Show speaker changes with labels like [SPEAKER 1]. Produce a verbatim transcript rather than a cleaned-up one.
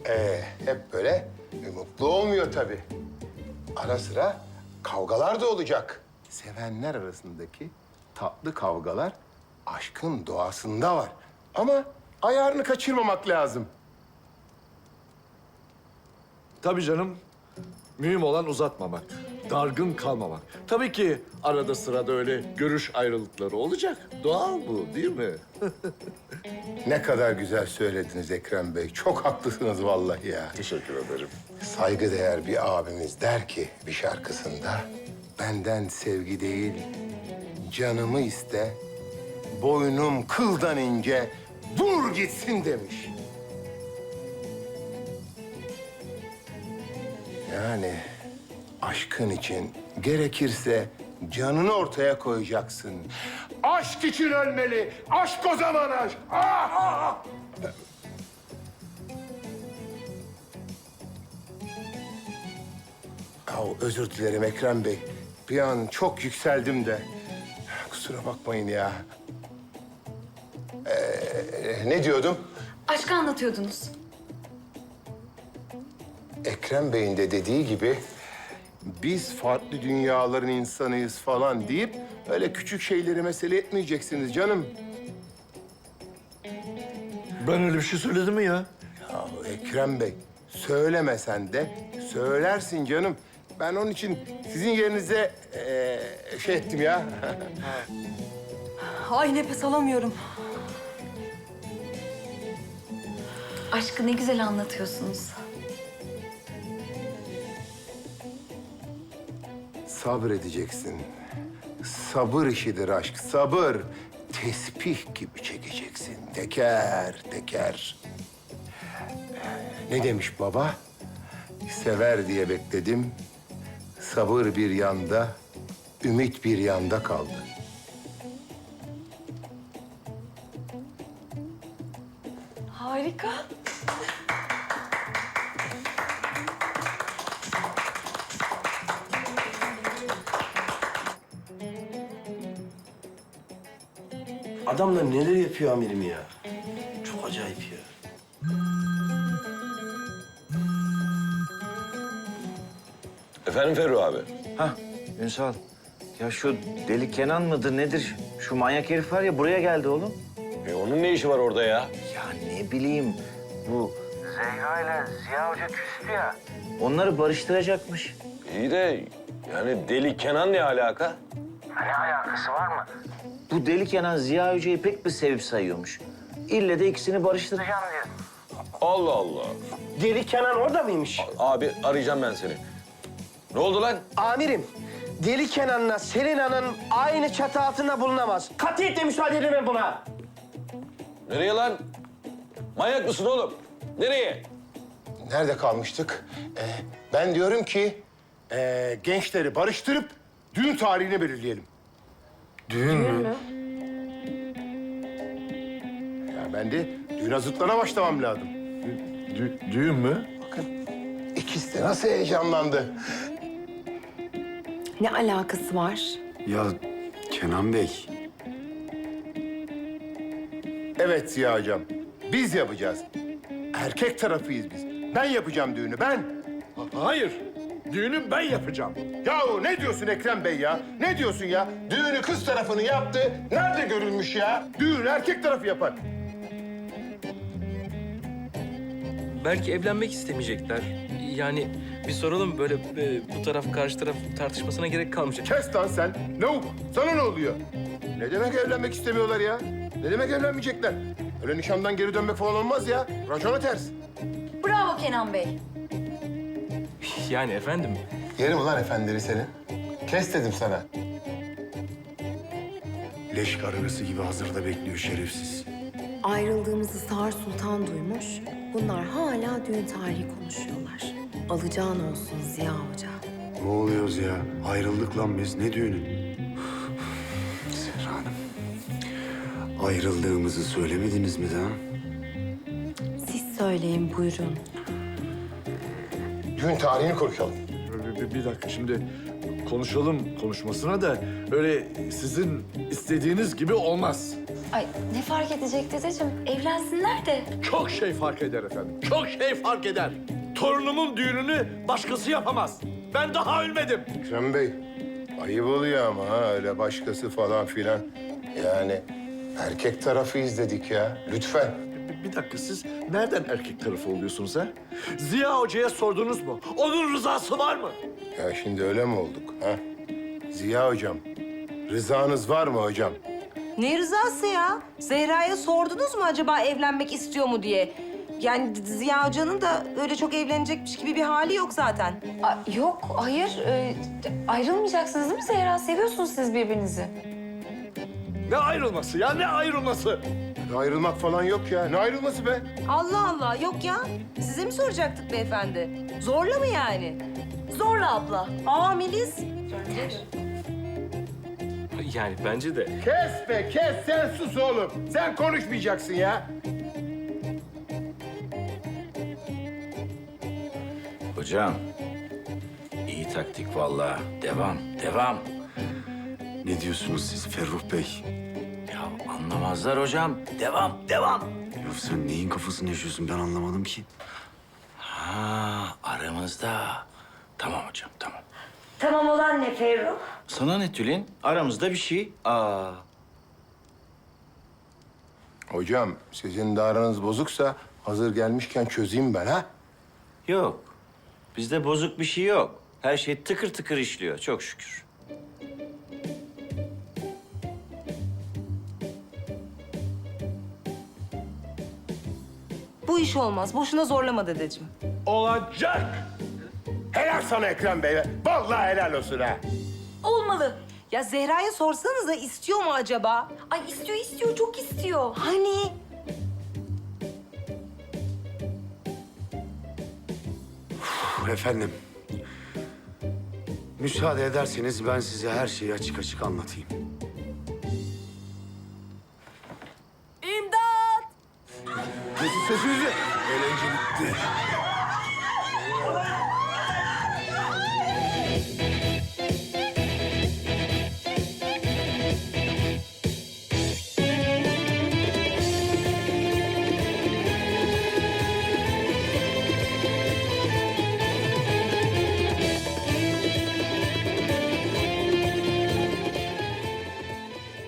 [SPEAKER 1] Ee, hep böyle mutlu olmuyor tabii. Ara sıra kavgalar da olacak. Sevenler arasındaki tatlı kavgalar aşkın doğasında var. Ama ayarını kaçırmamak lazım.
[SPEAKER 2] Tabii canım. Mühim olan uzatmamak, dargın kalmamak. Tabii ki arada sırada öyle görüş ayrılıkları olacak. Doğal bu, değil mi?
[SPEAKER 1] Ne kadar güzel söylediniz Ekrem Bey. Çok haklısınız vallahi ya.
[SPEAKER 2] Teşekkür ederim.
[SPEAKER 1] Saygıdeğer bir abimiz der ki bir şarkısında... ...benden sevgi değil, canımı iste, boynum kıldan ince, vur gitsin demiş. Yani aşkın için gerekirse canını ortaya koyacaksın. Aşk için ölmeli, aşk o zaman aşk. Ah, ah, ah. Ya, özür dilerim Ekrem Bey. Bir an çok yükseldim de. Kusura bakmayın ya. Ee, ne diyordum?
[SPEAKER 3] Aşkı anlatıyordunuz.
[SPEAKER 1] Ekrem Bey'in de dediği gibi... ...biz farklı dünyaların insanıyız falan deyip... ...öyle küçük şeyleri mesele etmeyeceksiniz canım.
[SPEAKER 2] Ben öyle bir şey söyledim mi ya?
[SPEAKER 1] Ya Ekrem Bey, söylemesen de söylersin canım. Ben onun için sizin yerinize ee, şey ettim ya.
[SPEAKER 3] Ay nefes alamıyorum. Aşkı ne güzel anlatıyorsunuz.
[SPEAKER 1] Sabredeceksin. Sabır işidir aşk, sabır. Tesbih gibi çekeceksin, teker teker. Ne demiş baba? Sever diye bekledim. Sabır bir yanda, ümit bir yanda kaldı.
[SPEAKER 3] Harika.
[SPEAKER 4] Adamlar neler yapıyor amirim ya. Çok acayip ya.
[SPEAKER 5] Efendim Ferru abi?
[SPEAKER 6] Hah, Ünsal. Ya şu deli Kenan mıdır nedir? Şu manyak herif var ya buraya geldi oğlum.
[SPEAKER 5] E onun ne işi var orada ya?
[SPEAKER 6] Ya ne bileyim bu Zehra ile Ziya Hoca küstü ya. Onları barıştıracakmış.
[SPEAKER 5] İyi de yani Deli Kenan ne alaka?
[SPEAKER 6] Ne alakası var mı? Bu deli Kenan Ziya Hoca'yı pek bir sevip sayıyormuş. İlle de ikisini barıştıracağım diyor.
[SPEAKER 5] Allah Allah.
[SPEAKER 4] Deli Kenan orada mıymış?
[SPEAKER 5] Abi arayacağım ben seni. Ne oldu lan?
[SPEAKER 4] Amirim, Deli Kenan'la Selina'nın aynı çatı altında bulunamaz. Katiyetle müsaade edemem buna.
[SPEAKER 5] Nereye lan? Manyak mısın oğlum? Nereye?
[SPEAKER 1] Nerede kalmıştık? Ee, ben diyorum ki ee, gençleri barıştırıp düğün tarihini belirleyelim.
[SPEAKER 2] Düğün mü?
[SPEAKER 1] Ya ben de düğün hazırlıklarına başlamam lazım.
[SPEAKER 2] Dü- düğün mü?
[SPEAKER 1] Bakın ikisi de nasıl heyecanlandı.
[SPEAKER 3] Ne alakası var?
[SPEAKER 7] Ya Kenan Bey,
[SPEAKER 1] Evet Ziya Hocam, biz yapacağız. Erkek tarafıyız biz. Ben yapacağım düğünü, ben.
[SPEAKER 2] Hayır. Düğünü ben yapacağım.
[SPEAKER 1] Yahu ne diyorsun Ekrem Bey ya? Ne diyorsun ya? Düğünü kız tarafını yaptı. Nerede görülmüş ya? Düğünü erkek tarafı yapar.
[SPEAKER 8] Belki evlenmek istemeyecekler. Yani bir soralım böyle e, bu taraf karşı taraf tartışmasına gerek kalmayacak.
[SPEAKER 1] Kes lan sen. Lavuk, sana ne oluyor? Ne demek evlenmek istemiyorlar ya? Ne demek evlenmeyecekler? Öyle nişandan geri dönmek falan olmaz ya. Racona ters.
[SPEAKER 3] Bravo Kenan Bey.
[SPEAKER 8] Yani efendim.
[SPEAKER 1] Yerim ulan efendileri senin. Kes dedim sana.
[SPEAKER 7] leş kararısı gibi hazırda bekliyor şerefsiz.
[SPEAKER 9] Ayrıldığımızı Sağır Sultan duymuş. Bunlar hala düğün tarihi konuşuyorlar. Alacağın olsun Ziya Hoca.
[SPEAKER 7] Ne oluyoruz ya? Ayrıldık lan biz. Ne düğünü? Serra Hanım. Ayrıldığımızı söylemediniz mi daha?
[SPEAKER 9] Siz söyleyin buyurun.
[SPEAKER 1] Düğün tarihini konuşalım.
[SPEAKER 2] Bir, bir- bir dakika şimdi konuşalım konuşmasına da öyle sizin istediğiniz gibi olmaz.
[SPEAKER 3] Ay ne fark edecek dedeciğim? Evlensinler de.
[SPEAKER 2] Çok şey fark eder efendim. Çok şey fark eder. Torunumun düğününü başkası yapamaz. Ben daha ölmedim.
[SPEAKER 1] Ekrem Bey, ayıp oluyor ama ha öyle başkası falan filan. Yani erkek tarafı izledik ya. Lütfen.
[SPEAKER 2] Bir, bir dakika siz nereden erkek tarafı oluyorsunuz ha? Ziya Hoca'ya sordunuz mu? Onun rızası var mı?
[SPEAKER 1] Ya şimdi öyle mi olduk ha? Ziya hocam, rızanız var mı hocam?
[SPEAKER 10] Ne rızası ya? Zehra'ya sordunuz mu acaba evlenmek istiyor mu diye? Yani Ziya Hoca'nın da öyle çok evlenecekmiş gibi bir hali yok zaten.
[SPEAKER 3] Ay, yok, hayır. Ee, ayrılmayacaksınız değil mi Zehra? Seviyorsunuz siz birbirinizi.
[SPEAKER 2] Ne ayrılması ya? Ne ayrılması?
[SPEAKER 1] Ayrılmak falan yok ya. Ne ayrılması be?
[SPEAKER 10] Allah Allah, yok ya. Size mi soracaktık beyefendi? Zorla mı yani?
[SPEAKER 3] Zorla abla.
[SPEAKER 10] Aa Melis.
[SPEAKER 8] Yani bence de.
[SPEAKER 1] Kes be kes, sen sus oğlum. Sen konuşmayacaksın ya.
[SPEAKER 6] Hocam, iyi taktik vallahi. Devam, devam.
[SPEAKER 7] Ne diyorsunuz siz Ferruh Bey?
[SPEAKER 6] Ya anlamazlar hocam. Devam, devam.
[SPEAKER 7] Ya sen neyin kafasını yaşıyorsun ben anlamadım ki.
[SPEAKER 6] Ha, aramızda. Tamam hocam, tamam.
[SPEAKER 10] Tamam olan ne Ferruh?
[SPEAKER 6] Sana ne Tülin? Aramızda bir şey. Aa,
[SPEAKER 1] Hocam, sizin de aranız bozuksa hazır gelmişken çözeyim ben ha.
[SPEAKER 6] yok. Bizde bozuk bir şey yok. Her şey tıkır tıkır işliyor, çok şükür.
[SPEAKER 10] Bu iş olmaz. Boşuna zorlama dedeciğim.
[SPEAKER 1] Olacak. Helal sana Ekrem Bey. Vallahi helal olsun ha.
[SPEAKER 3] Olmalı.
[SPEAKER 10] Ya Zehra'ya sorsanıza istiyor mu acaba?
[SPEAKER 3] Ay istiyor, istiyor, çok istiyor.
[SPEAKER 10] Hani?
[SPEAKER 7] Uf, efendim. Müsaade ederseniz ben size her şeyi açık açık anlatayım.
[SPEAKER 10] İmdat!
[SPEAKER 1] Kesin sesinizi. Eğlence bitti.